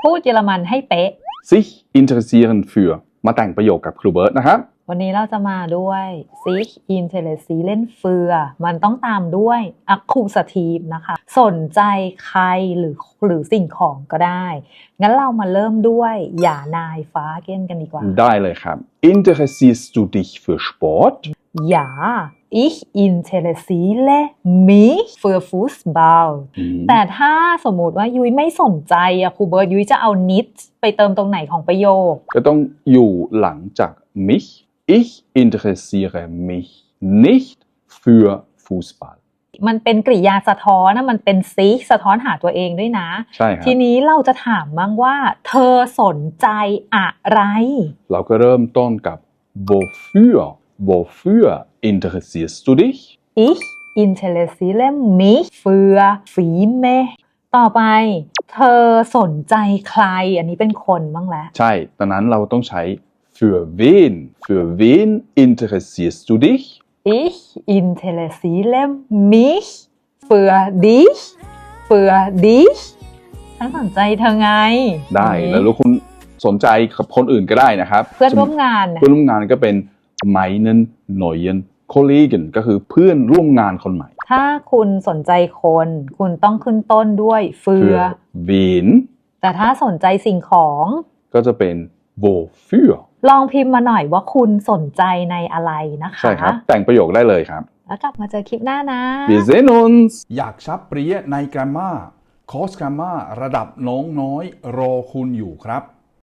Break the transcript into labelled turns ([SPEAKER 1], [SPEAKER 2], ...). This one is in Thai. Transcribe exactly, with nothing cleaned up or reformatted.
[SPEAKER 1] พูดเยอรมันให้เป๊ะ
[SPEAKER 2] sich interessieren für มาแต่งประโยคกับครูเบิร์ตนะครับ
[SPEAKER 1] วันนี้เราจะมาด้วย sich interessieren für มันต้องตามด้วย accusative นะคะสนใจใครหรือหรือสิ่งของก็ได้งั้นเรามาเริ่มด้วยอย่านายฟ้าเก้นกันดีกว่า
[SPEAKER 2] ได้เลยครับ Interessierst du dich für Sport
[SPEAKER 1] Ja ich interessiere mich für Fußball แต่ถ้าสมมุติว่ายุ้ยไม่สนใจอะครูเบิร์ตยุ้ยจะเอา nicht ไปเติมตรงไหนของประโยค
[SPEAKER 2] ก็ต้องอยู่หลังจาก mich ich interessiere mich nicht für Fußball
[SPEAKER 1] มันเป็นกริยาสะท้อนนะมันเป็นซิกสะท้อนหาตัวเองด้วยนะ
[SPEAKER 2] ใช่ครับ
[SPEAKER 1] ทีนี้เราจะถามบ้างว่าเธอสนใจอะไร
[SPEAKER 2] เราก็เริ่มต้นกับ wofür wofür interessierst du dich
[SPEAKER 1] ich interessiere mich für Filme ต่อไปเธอสนใจใครอันนี้เป็นคนบ้างแล้ว
[SPEAKER 2] ใช่ตอนนั้นเราต้องใช้ für wen für wen interessierst du dich
[SPEAKER 1] ich interessiere mich für dich für dich ฉันสนใจเธอไง
[SPEAKER 2] ได้แล้วคุณสนใจกับคนอื่นก็ได้นะครับ
[SPEAKER 1] เพื่อนร่วมงาน
[SPEAKER 2] เพื่อนร่วมงานก็เป็น meinen neuen Kollegen ก็คือเพื่อนร่วมงานคนใหม่
[SPEAKER 1] ถ้าคุณสนใจคนคุณต้องขึ้นต้นด้วย für
[SPEAKER 2] wen
[SPEAKER 1] แต่ถ้าสนใจสิ่งของ
[SPEAKER 2] ก็จะเป็น wofür
[SPEAKER 1] ลองพิมพ์มาหน่อยว่าคุณสนใจในอะไรนะคะ
[SPEAKER 2] ใช่ครับแต่งประโยคได้เลยครับ
[SPEAKER 1] แล้วกลับมาเจอคลิปหน้านะ
[SPEAKER 2] Wir sehen uns
[SPEAKER 3] อยากชับเปรี้ยใน Grammar คอร์ส Grammar ระดับน้องน้อยรอคุณอยู่ครับ